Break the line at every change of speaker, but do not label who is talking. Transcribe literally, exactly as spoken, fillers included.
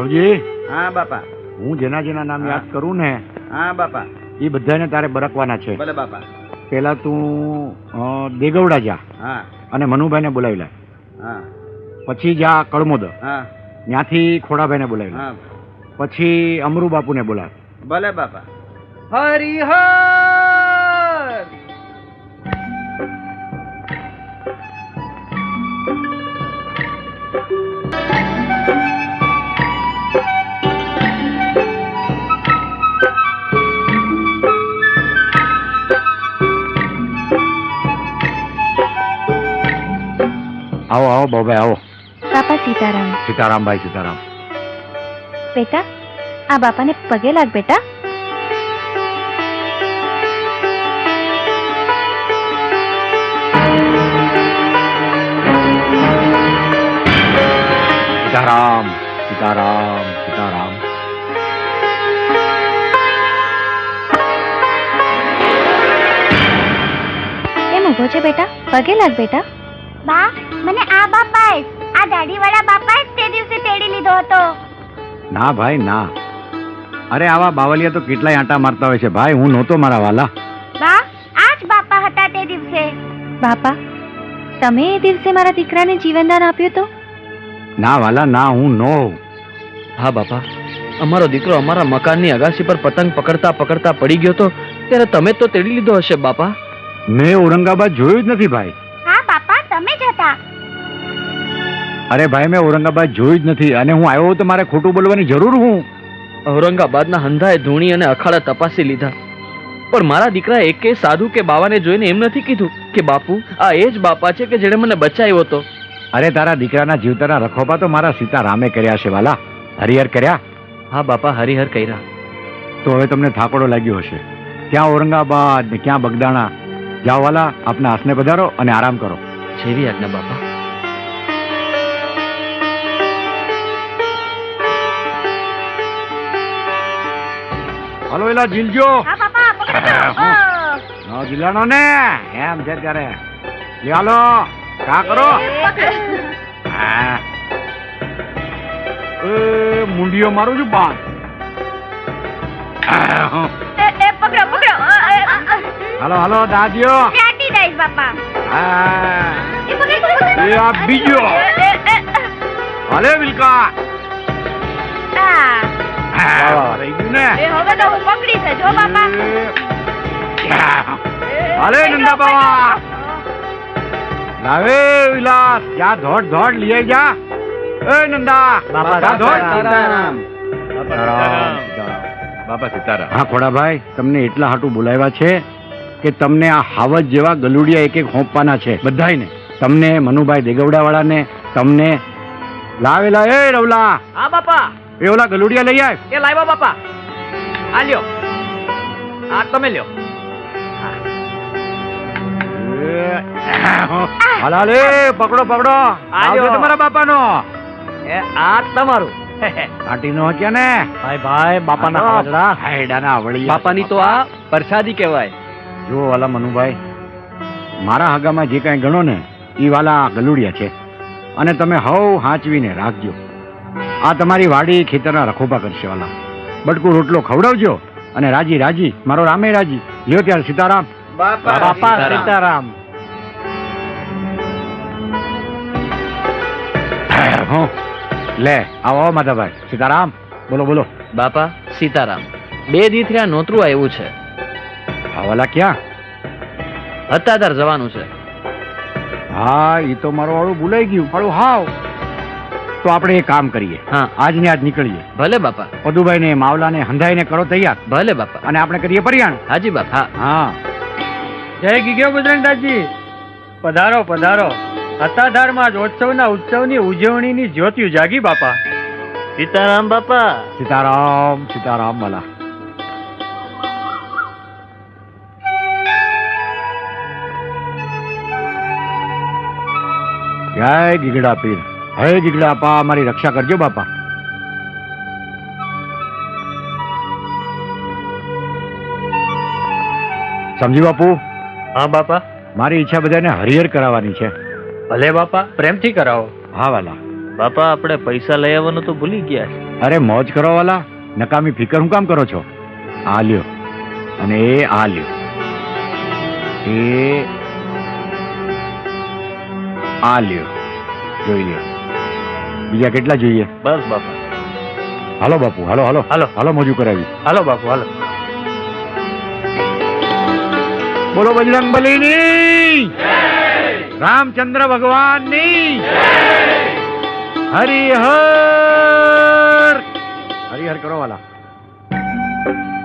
રાઘવજી.
હા બાપા.
હું જેના જેના નામ યાદ કરું ને
હા બાપા.
એ બધાને તારે બરકવાના છે.
ભલે બાપા.
પેલા તું અ, દેગવડા જા
હા
અને મનુભાઈને બોલાવી લે.
હા
પછી જા કળમોદ,
હા
ત્યાંથી ખોડાભાઈને બોલાવી લે.
હા
પછી અમરુ બાપુને બોલાવ.
ભલે બાપા.
હરિહર.
આવો આવો બાબાઈ આવો.
બાપા સીતારામ.
સીતારામભાઈ સીતારામ.
બેટા આ બાપાને પગે લાગ બેટા.
સીતારામ સીતારામ સીતારામ.
કેમ ઊભો છે બેટા? પગે લાગ બેટા.
બા મને આ બાપા આ દાઢીવાળા બાપા તે દિવસે તેડી લીધો હતો.
ના ભાઈ ના. અરે આવા બાવલિયા તો કેટલાય આંટા મારતા હોય છે ભાઈ. હું નહોતો મારા વાલા.
બા આ જ બાપા હતા તે દિવસે.
બાપા તમે એ દિવસે મારા દીકરાને જીવનદાન આપ્યું તો?
ના વાલા ના, હું નો.
હા બાપા, અમારો દીકરો અમારા મકાનની અગાસી પર પતંગ પકડતા પકડતા પડી ગયો તો ત્યારે તમે તો તેડી લીધો હશે બાપા.
મેં ઔરંગાબાદ જોયું જ નથી ભાઈ.
હા બાપા તમે જ હતા.
અરે ભાઈ મેં ઔરંગાબાદ જોયું જ નથી અને હું આવ્યો તો મારે ખોટું બોલવાની જરૂર હું.
ઔરંગાબાદના હંધાએ ધૂણી અને અખાડા તપાસી લીધા પણ મારા દીકરા એકે સાધુ કે બાવાને જોઈને એમ નથી કીધું કે બાપુ આ એ જ બાપા છે કે જેણે મને બચાવ્યો હતો.
અરે તારા દીકરાના જીવતાના રખોપા તો મારા સીતારામે કર્યા છે વાલા. હરિહર કર્યા.
હા બાપા હરિહર કર્યા.
તો હવે તમને થાકોડો લાગ્યો હશે. ક્યાં ઔરંગાબાદ ને ક્યાં બગદાણા. જાઓ વાલા, આપના હાસને પધારો અને આરામ કરો.
જેવી આજ્ઞા બાપા.
હાલો એલા જીલજો.
હા બાપા પકડો.
નો જીલાનો ને એમ છે ત્યારે. લે હાલો કા કરો. હા. એ મુંડીઓ મારું છું બાદ.
એ એ પકડો પકડો.
હાલો હાલો દાદીઓ.
ચાટી દઈશ બાપા.
હા.
એ પકડ પકડ.
એ આ બીજો. હાલે વિલકા.
હા.
હા રહી ગયું ને.
એ હવે તો હું પકડી છે જો બાપા.
હાલે નંદા બાવા. લાવે વિલાસ જા ધોડ ધોડ લઈ જા. એ નંદા
બાપા
જા ધોડ.
સીતારામ.
બાપા સીતારામ. હા ખોડાભાઈ, તમને એટલા હાટું બોલાવ્યા છે કે તમને આ હાવજ જેવા ગલુડિયા એક એક હોંપવાના છે બધાયને. તમને મનુભાઈ દેગવડા વાળાને, તમને લાવેલા. એ રવલા
હા બાપા.
એ ઓલા ગલુડિયા લઈ આવ.
એ લાવ્યા બાપા. આ લ્યો. આ તમે લ્યો.
હાલ હાલ એ પકડો પકડો. આવજો તમારા બાપાનો.
એ આ તમારું.
કાટીનો હક્યા ને.
ભાઈ ભાઈ બાપાના હાજરા.
હાયડાના વળી.
બાપાની તો આ પ્રસાદી કહેવાય.
જો વાલા મનુભાઈ, મારા હગામાં જે કાંઈ ગણો ને એ વાલા ગલુડિયા છે અને તમે હવ હાંચવીને રાખજો. આ તમારી વાડી ખેતરના રખોપા કરશે વાલા. બટકું રોટલો ખવડાવજો અને રાજી રાજી મારો રામે રાજી. લ્યો ત્યારે સીતારામ.
બાપા
બાપા
સીતારામ.
સીતારામ. હો લે આવો આવો માધાભાઈ. સીતારામ. બોલો બોલો.
બાપા સીતારામ. બે દી થયા નોતરું આવ્યું છે.
આ વાલા ક્યાં?
હતાદાર જવાનું છે.
હા એ તો મારું વાળું ભૂલાઈ ગયું મારું હાવ. તો આપણે એક કામ કરીએ.
હા
આજ ને આજ નીકળીએ.
ભલે બાપા.
પદુભાઈ ને માવલા ને હંધાઈ ને કરો તૈયાર
ભલે બાપા.
અને આપણે કરીએ પરિયાણ.
હાજી બાપા.
હા.
જય ગીગ્યો બજરંગદાસજી. પધારો પધારો. હતાધારમાં ઉત્સવના ઉત્સવની ઉજવણીની જ્યોતિયું જાગી બાપા. સીતારામ બાપા.
સીતારામ સીતારામ વાલા. જય ગીગડા પીર. હે ગીગડા આપા મારી રક્ષા કરજો બાપા. સમજી બાપુ.
હા બાપા.
મારી ઈચ્છા બધાને હરિહર કરાવવાની છે.
ભલે બાપા, પ્રેમથી કરાવો.
હા વાલા.
બાપા આપણે પૈસા લઈ આવવાનું તો ભૂલી ગયા છે.
અરે મોજ કરો વાલા, નકામી ફિકર હું કામ કરો છો? આ લ્યો અને એ આ લ્યો, એ આ લ્યો, જોઈ લ્યો. બીજા કેટલા જોઈએ?
બસ બાપા.
હાલો બાપુ, હાલો હાલો
હાલો.
હાલો, મોજું કરાવી.
હાલો બાપુ હાલો.
બોલો બજરંગબલીની, રામચંદ્ર ભગવાનની, હરિહર હરિહર કરો વાલા.